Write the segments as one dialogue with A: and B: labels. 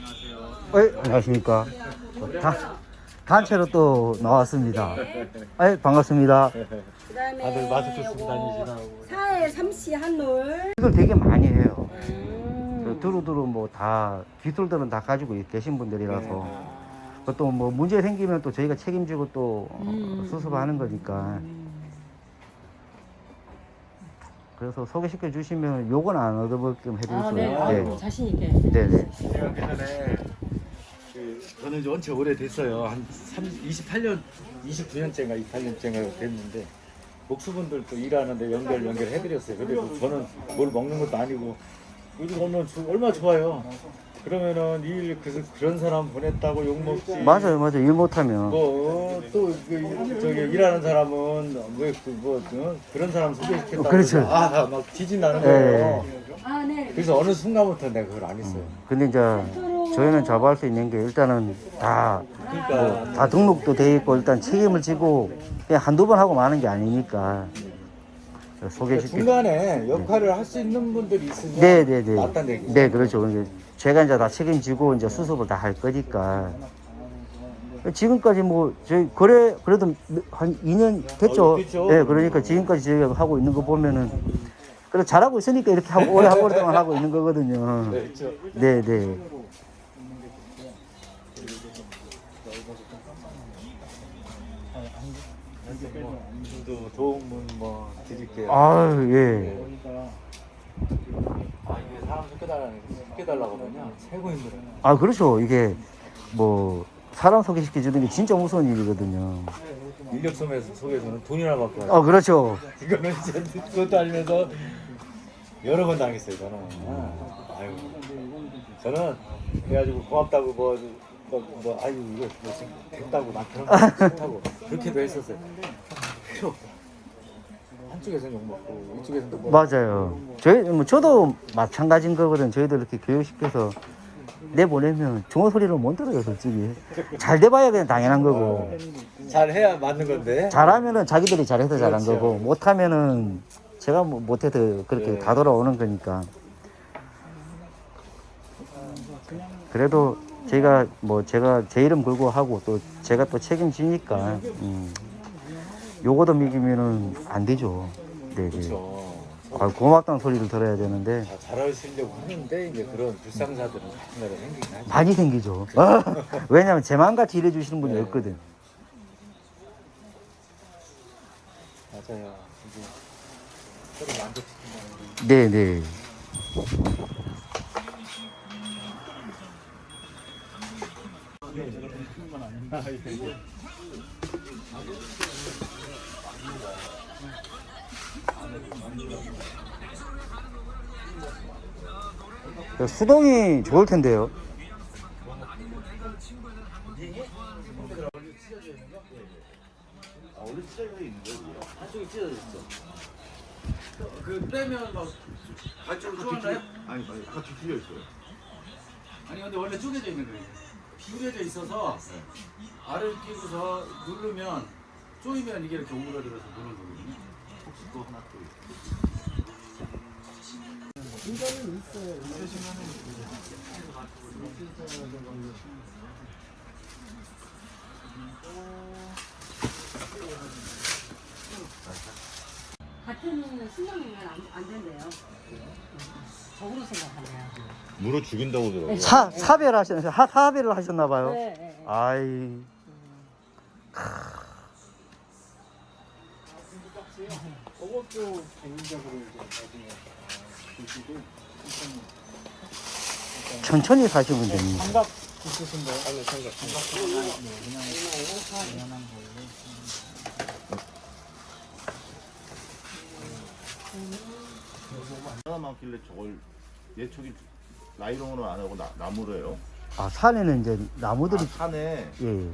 A: 안녕하십니까. 단체로 또 나왔습니다. 반갑습니다.
B: 그다음에
C: 다들 마스크 쓰고
B: 요거
C: 다니시라고.
B: 사회 삼시 한올.
A: 이걸 되게 많이 해요. 두루두루 뭐 다 기술들은 다 가지고 계신 분들이라서 또 뭐 문제 생기면 또 저희가 책임지고 또 수습하는 거니까. 그래서 소개시켜 주시면 요건 안 얻어먹게끔 해드릴 수
B: 네.
A: 있어요.
B: 아이고, 자신 있게.
A: 네네.
C: 제가 예전에 저는 이제 원체 오래됐어요. 한 28년, 29년째인가 28년째인가 됐는데 목수분들도 일하는데 연결해드렸어요. 그리고 저는 뭘 먹는 것도 아니고 요즘 오늘 얼마나 좋아요. 그러면은 그런 사람 보냈다고 욕 먹지.
A: 맞아요. 일 못하면.
C: 또 저기 일하는 사람은 그런 사람 소개시켰다고
A: 그렇죠.
C: 막 지진 나는 거예요.
B: 아, 네.
C: 그래서 어느 순간부터 내가 그걸 안 했어요.
A: 근데 이제 저희는 잡아할 수 있는 게 일단은 다
C: 그러니까
A: 등록도 돼 있고 일단 책임을 지고 그냥 한두 번 하고 마는 게 아니니까 소개시켜.
C: 중간에 역할을 할 수 있는 분들이 있으면
A: 네네네.
C: 낫다는 얘기죠.
A: 네, 그렇죠. 그러니까 제가 이제 다 책임지고 이제 수습을 다 할 거니까. 지금까지 뭐 저희 그래도 한 2년 됐죠.
C: 됐죠.
A: 네, 그러니까 지금까지 저희가 하고 있는 거 보면은 그래 잘하고 있으니까 이렇게 하고 오랫동안 하고 있는 거거든요.
C: 네, 그렇죠.
A: 네, 네.
C: 또 좋은 분 뭐 드릴게요.
A: 아유, 예.
C: 이게 사람 속여달라거든요. 최고 힘들어요.
A: 아, 그렇죠. 이게 뭐 사람 소개시켜 주는 게 진짜 무서운 일이거든요.
C: 인력 속에서는 돈이나 받고 하죠.
A: 아, 그렇죠.
C: 이거는 진짜 그것도 알면서 여러 번 당했어요. 저는. 아유, 저는 그래가지고 고맙다고 아유 이거 지금 됐다고 나 그런 거 싫다고 그렇게도 했었어요. 필요 없다. 한쪽에서는 욕 먹고 이쪽에서는 뭐
A: 맞아요. 저도 마찬가지인 거거든. 저희도 이렇게 교육시켜서 내보내면 좋은 소리를 못 들어요, 솔직히. 잘 돼봐야 그냥 당연한 거고.
C: 잘 해야 맞는 건데.
A: 잘하면은 자기들이 잘해서 잘한
C: 그렇죠.
A: 거고, 못하면은 제가 뭐 못해도 그렇게
C: 네.
A: 다 돌아오는 거니까. 그래도 제가 제 이름 걸고 하고 또 제가 또 책임지니까, 요거도 미기면은 안 되죠. 네네.
C: 그렇죠.
A: 고맙다는 소리를 들어야 되는데.
C: 다 잘하시려고 하는데 이제 그런 불상사들은 가끔가다 생기긴 하죠.
A: 많이 생기죠. 왜냐면 제 마음같이 일해주시는 분이
C: 네.
A: 없거든.
C: 맞아요. 이제 서로 만족시킨다는 게.
A: 네네. 수동이 좋을 텐데요.
C: 원래 찢어져 있는 거예요. 한쪽이 찢어져 있어. 그 빼면 막 반쪽으로 쪼개나요?
D: 아니 아까 뒤틀려 있어요.
C: 아니 근데 원래 쪼개져 있는 거예요. 비벼져 있어서 알을 끼고서 누르면 쪼이면 이게 이렇게 오므라들어서 누르는 거거든요.
D: 혹시 또 하나 또
B: 같은 신랑이면 안 된대요. 적으로 생각하네요.
D: 물어 죽인다고 그러더라고요.
A: 사별을 하셨나봐요.
B: 네, 네.
A: 아이.
C: 그것도 개인적으로 이제 나중에 드시고
A: 천천히 사시면 됩니다.
C: 삼각 있으신 거요? 아니 삼각. 그냥 연한 걸로.
D: 하나 많길래 저걸 예초기 나이롱으로 안 하고 나무로 해요.
A: 아, 산에는 이제 나무들이,
D: 산에
A: 예.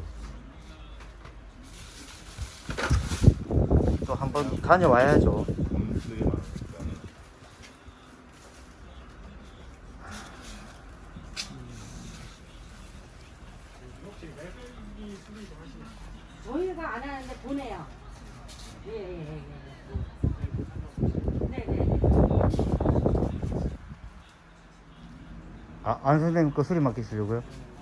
A: 또 한번 다녀와야죠.
D: 검들이 많으니까.
B: 저희가 안 하는데 보내요. 예. 네네.
A: 아, 안 선생님 거 수리 맡기시려고요?